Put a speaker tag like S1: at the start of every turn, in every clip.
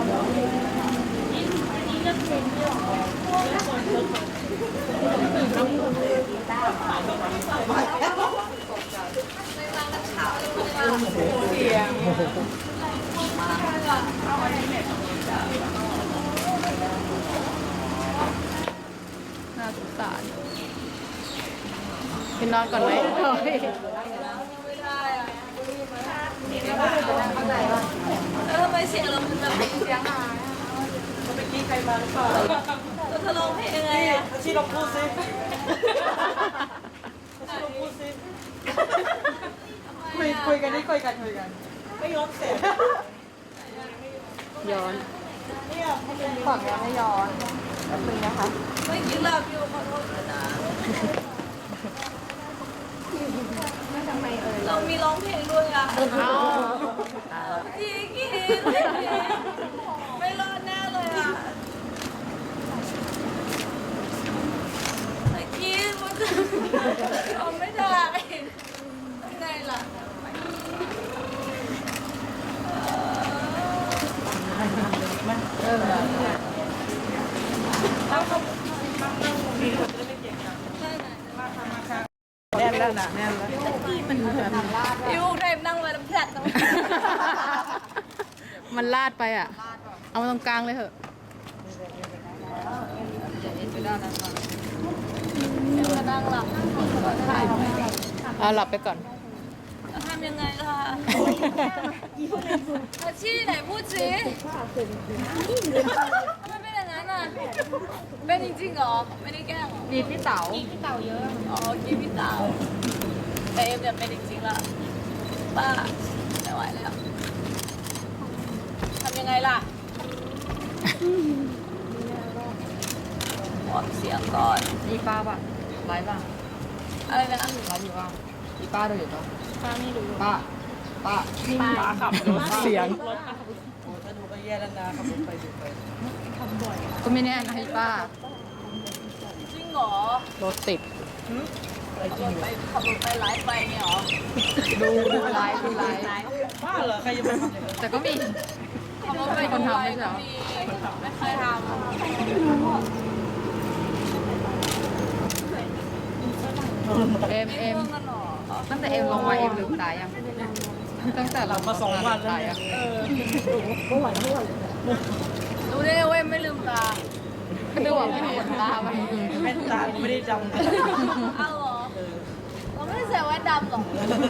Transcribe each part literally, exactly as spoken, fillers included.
S1: น่าสงสารไปนอนก่อนไหม
S2: เออทำไมเสียงเราแบบเสียงหายเมื่อกี้ใครมาหรือเปล่าเราจะร้องเพลงยังไงอะชีลองพูดสิชีลองพูดสิคุยคุยกันนี่คุยกันคุยกันไม่ย้อนเสียง
S1: ย้อน
S2: ฝากย้อนให้ย้อนแป๊บนึงนะคะไม่กินหลับอยู่ขอโทษนะเรามีร้องเพลงด้วยอ่ะ
S1: เอา
S2: จีกินไม่รอดแน่เลยอ่ะแต่กินมันจะทำไม่ได้ยังไงล่ะ
S1: เออ
S2: แน่นแล้วนะแน่นแล้วพี่ลูกเทพนั่งไว้แล้วแผลดตรง
S1: มันลาดไปอ่ะ เอามาตรงกลางเลยเถอะ
S2: จะนั่งหลับถ่าย
S1: เอาหลับไปก่อน
S2: จะทำยังไงล่ะอาชีพไหนพูดสิทำไมเป็นอย่างนั้นอ่ะเป็นจริงๆเหรอไม่ได้แกล้ง
S1: มีพี่เต๋า
S2: อ๋อกินพี่สาวแต่เอ็มเนี่ยเป็นจริงๆละป้าไม่ไหวแล้วทำยังไงล่ะวอร์มเสียงก่อน
S1: มีป้าป่ะไลฟ์ป่ะ
S2: อะไรนะ
S1: ไลฟ์อยู่ป่ะมีป้าดูอยู่ป่ะ
S2: ป้าไม่รู้
S1: ป้า ป้า
S2: ป้าขับรถ
S1: เสียง
S2: ถ้าดูก็แย่แล้วนะขับรถไปดูไป
S1: ก็ไม่แน่นะให้ป้า
S2: จริงเหรอ
S1: รถติด
S2: ขับรถไปขับรถไปไลฟ์ไปเนี่ยเหรอ
S1: ดูดูไลฟ์ดูไลฟ์
S2: บ้าเหรอใครจะไปทำอย่างนั้น
S1: แต่ก็มี
S2: ขับรถไป
S1: คนทำไม่ใช่เหรอ
S2: ไม่เคยทำ
S1: เอ็มเอ็ม
S2: รื่องกันเหรอ
S1: ตั้งแต่เอ็มลงมาเอ็มลืมตายัง ตั้งแต่เรามาสองวันแล้วเนี่ย
S2: รู้ได้ไงเว้ยไม่ลืมตา
S1: ก็ดูว่าไม่มีขนตาไป
S2: แว่นตาไม่ได้ดำอ้าวเหรอเราไม่ได้ใส่แว่นดำหรอก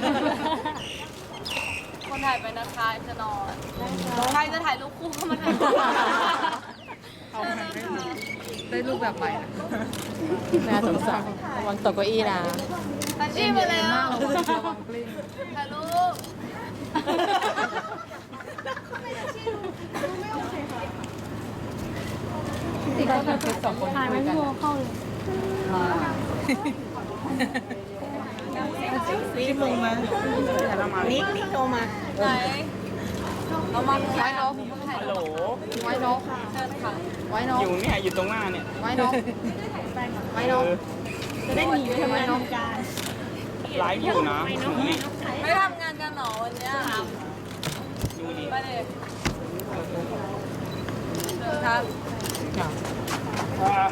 S2: คนถ่ายไปนะคะจะนอนใครจะถ่ายรูปคู่ก็มาถ่าย
S1: เอาไปได้รูปแบบใหม่นะน่าสงสารระวังตกเก้าอี้นะ
S2: อาชีพมาแล้ว
S1: ระวังระวังกลิ้ง
S2: ถ่ายรูป
S1: ที่เขาทำคลิปสองคนถ่ายไม่พอเข้าเลย
S2: ซีมึงมานิกนิกโทรมาไหนเรามาไว้นก
S3: ฮัลโหล
S1: ไว้นก
S2: เชิญค่ะ
S1: ไว้นก
S3: อยู่เนี่ย อยู่ตรงหน้าเนี่ย
S1: ไว้นกไว้นก
S2: จะได้หนีไปทำงานการ
S3: ไลฟ์อยู่นะหนูเนี่ย
S2: ไม่ทำงานกันหรอวันเนี้ย
S3: ดูดิ
S2: ไปเลยเชิญครับ
S3: อ่า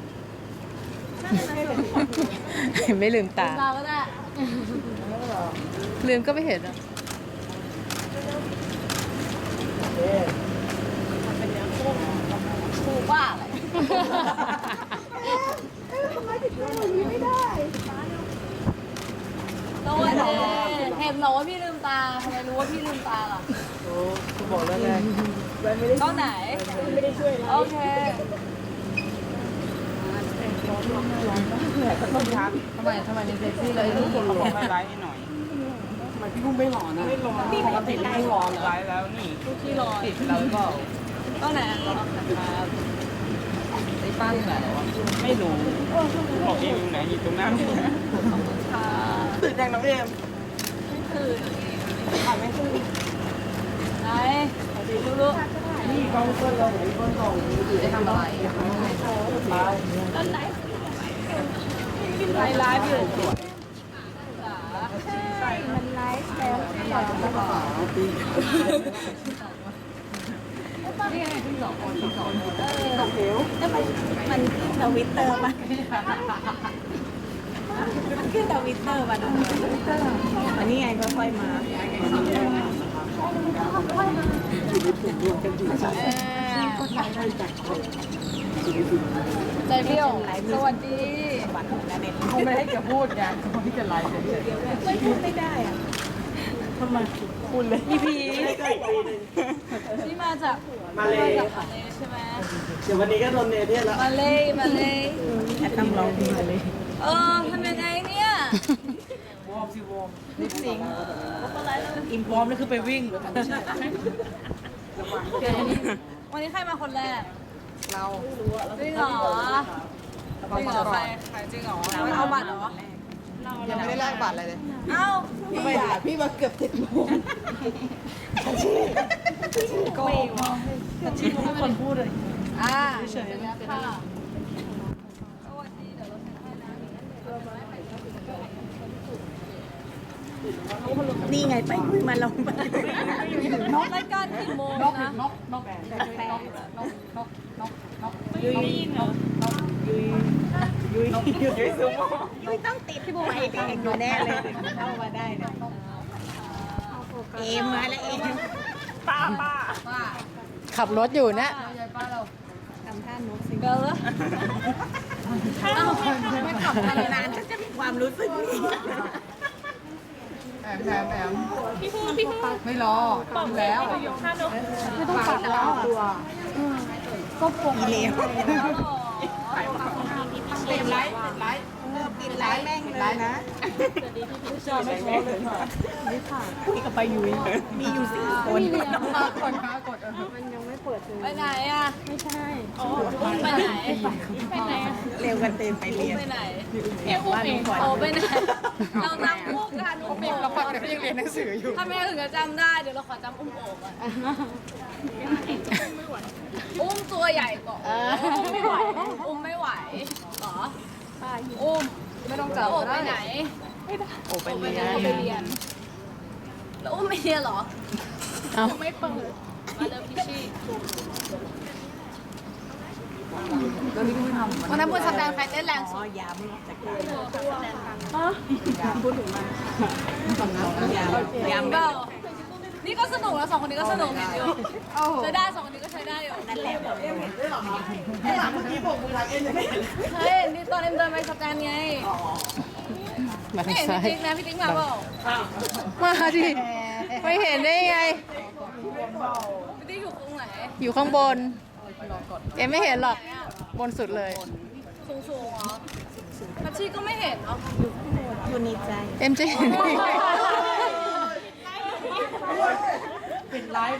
S1: ไม่ลืมตา
S2: เราก็ได้
S1: ลืมก็ไม่เห็นอ่ะ
S2: ถูกว่าอะไรทำไมถึงไม่ได้เห็นเหรอว่าพี่ลืมตาทำไมรู้ว่าพี่ลืมตาล่ะ
S1: กูบอกแล้วไง
S2: กล้องไหนไม่ได้ช่วยโอเค
S1: ทำไมทำไมในเซ็กซี่เลยรูป
S3: เขาบอกให้ไลฟ์ให้หน่อยทำไมพี่พุ่งไม่หล่อนะไม่หล่อปกติไม่หล่อไลฟ์แล้วนี่
S2: ทุกที่รอ
S3: ติดเราก็
S2: กล้องไหนเอาครับ
S1: ไอ้ป้าอยู่ไหนวะ
S3: ไม่รู้บอกเองอยู่ไหนอยู่ตรงหน้านี่
S2: ค่ะ
S3: ตื่นยังน้องเอ็ม
S2: ตื่นถ่ายไม่ตื่นไหนดูลูก
S3: นี่กล้องเพื่อนเราไหนกล้องส่ง
S1: ได้ทำอะไร
S2: ตอนไหนไลฟ์ไลฟ์อยู่ใช่มันไลฟ์แล้ว
S1: ไปนี่ไงที่สองคนที่สอง
S2: แล้วมันมันขึ้นทวิตเตอร์ป่ะมันขึ้นทวิตเตอร์ป่ะอันนี้ไงค่อยๆมา
S1: ใจเบี้ยวสวัสดี
S2: บัตรแล้วเนี่ย
S1: เขาไม่ให้แกพูดไงเขาไม่จะไลฟ์เฉย
S2: ไม่พูดไม่ได้อ่ะ
S3: ทำไมคุณเลย
S2: พี่พี
S1: นี่มาจาก
S4: มาเลย
S1: จากมาเลยใช่ไหม
S4: เดี๋ยววันนี้ก็โดนเนเธอร์แล้ว
S1: มาเลยมาเลย
S2: แอดต้องร้องเพลงเลย
S1: เออทำยังไงเนี่ยว
S3: อร์มสิวอร์ม
S1: ลิปซิงค์
S3: อิมพร้อมนี่คือไปวิ่งหรือไม่ใช่
S1: เดี๋ยวนี้วันนี้ใครมาคนแรก
S3: เรา
S1: จริงเหรอจริงเหรอใครใครจริงเหรอไม่เอาบัตรเหรอ
S3: ยังไม่ได้แลกบัตรอะไรเลย
S1: เอ้า
S2: พี่ด่าพี่มาเกือบเจ็ดโมง
S3: โก้แต่ที่ทุกคนพูดเลย
S1: อ่า
S3: เฉยๆ
S1: แล้วค่ะสวัสดีเดี๋ยวเราจะให้นะ
S2: นี่ไงไปคุยมาลงไป
S1: นกรายการกี่โมง
S3: นก
S1: นะ
S3: นกนกนกนกนกนกนกนก
S2: ยุยยุยยุยยุยซูโม่ยุยต้องติดที่บุไฟแดงอยู่แน่เลยเข้ามาได้เนี่ยเอมมาแล้วเอมป้าป้า
S1: ป้า
S5: ขับรถอยู่นะ
S1: ยายป้าเรา
S2: ทำท่านกสิ
S1: เบลล์เอ้าไม่ขับกันเลย
S2: นาน
S1: นะ
S2: ก็จะมีความรู้สึกนี้
S3: แอมแอมแอมพี่พูพี่พูไม่รอดูแล้ว
S1: ไม่ต้องปัดแล้วก็ปง
S2: อีเลว
S3: ติดไลท์ติดไลท์
S2: ติดไลน์แม่งเลยนะ
S3: ชอบไม่ชอบเลยค่ะ
S2: นี่ก็ไปยุยมีอยู่สี่คน
S3: มากดมากดเออ
S1: ไปไหนอ่ะไม่ใช่อุ้มไปไหนไปไหน
S2: เร็วกันเต็มไปเรียน
S1: ไปไหน
S2: เอวอุ้มเองก่อน
S1: โอ้ไปไหนเราจำคู่กันอุ้ม
S3: มี
S1: โอ่
S3: เรา
S1: ง
S3: ฟังเดี๋ยวยังเรียนหนังสืออยู่
S1: ถ้าแม่ถึงจะจำได้เดี๋ยวเราขอจำอุ้มโอ่งอ่ะอุ้มตัวใหญ่ก่อนอุ้มไม่ไหวอุ้มไม่ไหวเหรออุ้ม
S3: ไม่ต้อง
S1: จะ
S3: จับ
S1: โอ่ง
S3: ก็
S1: ไป
S3: ได้
S1: ไหน
S3: โอ้ไป
S1: ไป
S3: เรีย
S1: ไหน
S3: น
S1: ไปเรียนแล้วอุ้มไม่เรียนเหรอ
S5: เอา
S1: ไม่เปิดมาเริ่มพิชชี่
S3: แล้วนี่ก็ไม่ทำ
S1: วันนั้นบนสแตนใครเต้นแรง
S2: อ๋
S1: สุ
S2: อ
S1: ด
S2: ยามจากการ
S3: สำนัก
S2: ยามยาม
S1: เปล่านี่ก็สนุกแล้วสองคนนี้ก็สนุกอยู่ใช้ได้สองคนนี้ก็ใช้ได้อยู่
S2: นั่นแหละบอกเลย
S4: ไอ้หลังเมื่อกี้บอกมือทางเอ็นยังไม่เห็น
S1: เฮ้ยนี่ตอนเอ็มเดินไปสแตนไง
S5: มา
S1: ไม่
S5: ทาง
S1: เห็น
S5: ซ้าย
S1: พี่ติ๊กนะพี่ติ๊กมาเปล่า
S5: มาดิไม่เห็นได้ไง
S1: พี่ติ๊กอยู่ตรงไหน
S5: อยู่ข้างบน เอ็มไม่เห็นหรอก บนสุดเลย
S1: สูงสูงๆเหรอพัชชีก็ไม่เห็นเนาะ
S2: อยู่ในใจ
S5: เอ็มจะเห็นได้ไง
S3: ปิดไลฟ์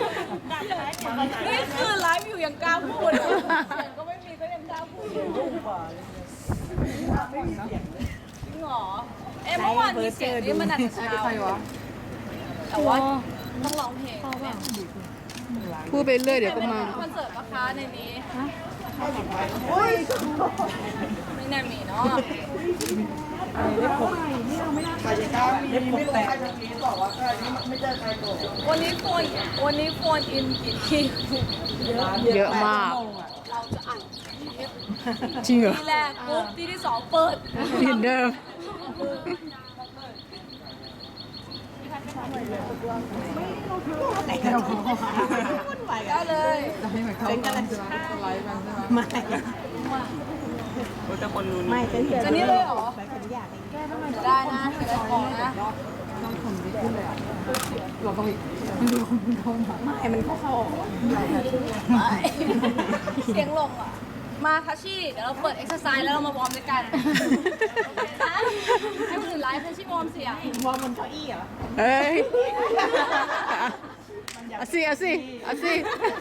S1: นี่คือไลฟ์อยู่ยังกล้าพูดเลยเสียงก็ไม่มีก็ยังกล้าพูดอยู่จริงเหรอเอ๊ะเมื่อวานมีเสียงนี่มันอาจจะเช้า
S3: ใครวะ
S1: แต่ว่าต้องร้องเพลงเนี่ย
S5: พูดไปเรื่อยเดี๋ยวก็มา
S1: คอนเสิร์ตปะคะในนี้ไม่น่ามีเนาะ
S4: ใครจะกล้ามีไม่รู้ใครจะมีบอกว่าใครนี่ไม่ใช่ใครโกรธ
S1: วันนี้โฟนวันนี้โฟนอินกี่ที่
S5: เยอะมาก
S1: เราจะอัด
S5: จริงเหรอ
S1: ที่แรกปุ๊บที่ที่สองเปิด
S5: เหมือนเดิม
S2: ไหนกันวุ่นวายกั
S1: ได้
S2: น
S1: เลย
S3: จะให้เหมือนเขาเป็นไลฟ์มันใช่ไหม
S2: ไม่ไม่ฉัน
S1: จะนี่เลยเหรอ
S2: ไปฉันอยาก
S1: จะได้นะจะได้ของนะ
S3: ต้องทำดิขึ้นเลยอ่ะเราต้องอีก
S2: ไม่มันเข้าเข้าออก
S1: เสียงลงอ่ะ มาทัชชี่เดี๋ยวเราเปิดเอ็กซ์ไซส์แล้วเรามาวอร์มด้วยกันให้คนอื่นไลฟ์ทัชชี่วอร์มเสียง
S2: วอร์มบนเก้าอี้เหรอ
S5: เอ้ยเอาสิเอาสิเอาสิ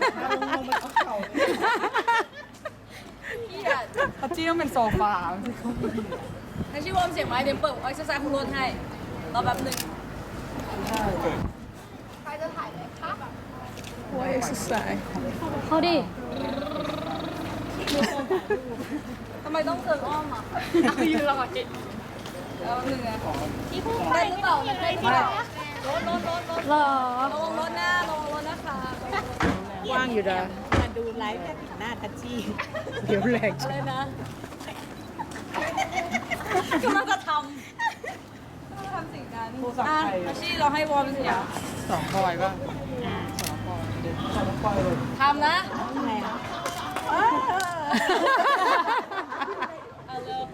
S1: เกียด
S3: เขาจี้ต้องเป็นโซฟา
S1: ทัชชี่วอร์มเสียงไว้เดี๋ยวเปิดเอ็กซ์ไซส์คุณรถให้รอแป๊บหนึ่งใครจะถ่ายไหมคะ
S5: ว่าเอ็กซ์ไซส์
S1: เขาดิทำไมต้องเดินอ้อมอ่ะยืนรอจิแล้วหนึ่งไงได้หรือเปล่าได้หรือเปล่ารถรถรถรถรอระวังรถนะระวังรถนะคะ
S5: ว่างอยู่นะ
S2: มาดูไลฟ์แค่ติดหน้าทัชชี่
S5: เดี๋ยวแรง
S1: อะไรนะกำลังจะทำทำสิ่งนั้นอ่ะอาชีเราให้วอร์มเสียง
S5: สองพลอยป่ะ
S1: ทำนะ
S2: ทำไมอ่ะ
S1: เอาเร็ว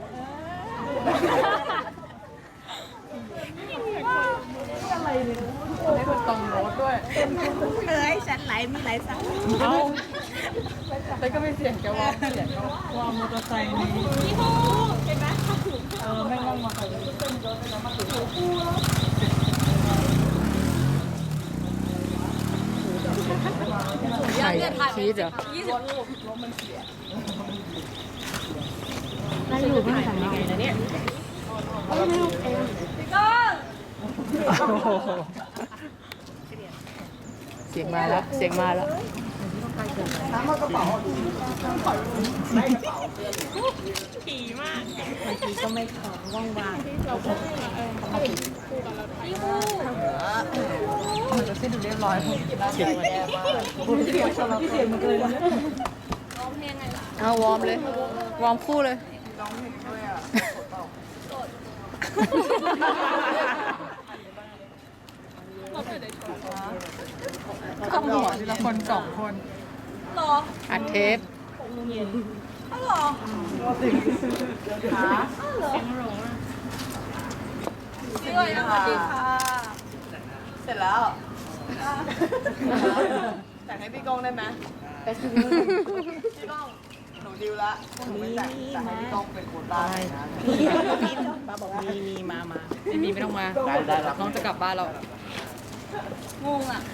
S5: ให้คนตรงโน้ตด้วย
S2: เอ้ยฉันไลฟ์มีไลฟ์สัก
S5: เอาแต่ก็ไม่เสียงแกว่าเสียงเขา
S3: ว่ามอเตอร์ไซค์นี่
S1: พี่ฮูเห็นไหม
S3: เออไม่นั่งมอเตอร์ไซค์
S5: ใช่ชีสเหรอ
S1: ยี่สิบรูป
S2: ได้อยู่ไม่ทำยังไงนะเนี่ย
S1: พี่ก้อง
S5: เสียงมาแล้ว เสียงมาแล้ว
S4: น้ำมันกระเป๋า
S2: ขี่มากบางทีก็ไม่ขอว่างว่าง
S1: พี่ฮู
S5: มันจะสิ้นดูเรียบร้อยเสียงมันแย่มาก
S3: พี่เสียงมันเลยนะ
S1: ร้องเพลงไงล่ะ
S5: เอาวอร์มเลย วอร์มคู่เลย
S1: ขโมย
S5: ทีละคนสองคน
S1: หรอ
S5: อัดเทป
S1: อ๋อหรอสวัสดีค่ะสวัสดีค่ะ
S4: เสร็จแล้วแต่งให้พี่ก้องได้ไหมพี่ก้องหนูดิวละหนูไม่แต่งแต่ให้พี่ก้องเป็นคนได้นะ
S2: มีมีป้าบอกมีมีมามา
S5: ไม่มีไม่ต้องมา
S4: ได้ได้แล้ว
S5: น้องจะกลับบ้านแล้ว
S1: งงอ่ะ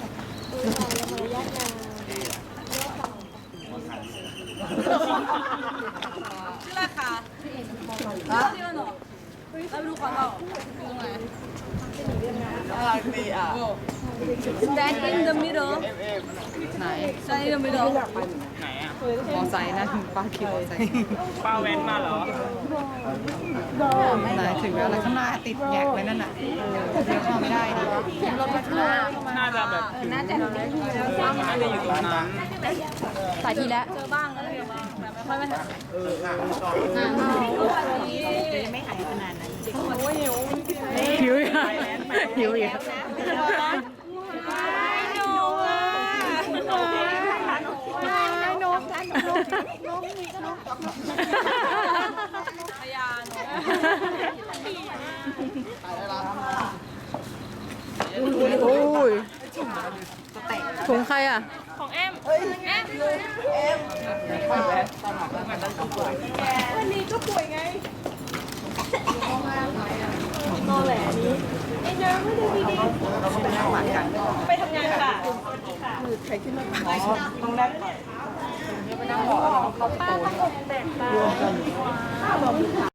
S1: ชื่ออะไรคะชื่ออะไรหนอเราไปดูก่อนเปล่าดูตรงไหน
S4: น่ารักดีอ่ะ
S1: Stand in the middle
S5: ไหน
S1: Stand in the middle
S3: ไหนอ่ะ
S5: มอไซค์นะถึงป้าคิวมอไซค์
S3: ป้าแว้นมาเหรอ
S5: ไหนถึงแล้วแล้วข้างหน้าติดแงกเลยนั่นน่ะเลี้ยวเข้าไม่ได้ดิรถมาข้างหน้า
S3: น่าจะแบบ
S2: น่าจะ
S3: เออมันน่าจะอยู่ตรงนั้น
S5: สายทีแล้ว
S1: เจอบ้างอะไรบ้างแต่ไม่ค่อยไม่ทัน
S2: จะไม่หายขนาดนั้น
S5: หิวอีกหิวอีก
S1: พยาน
S5: โอ้ยถุงใครอ่ะ
S1: ของแอมแอม
S2: วันนี้ก็ป่วยไง
S1: ไปทำงานค่ะ
S3: ตรงนั้น
S2: ป้าต้องอกแตกตา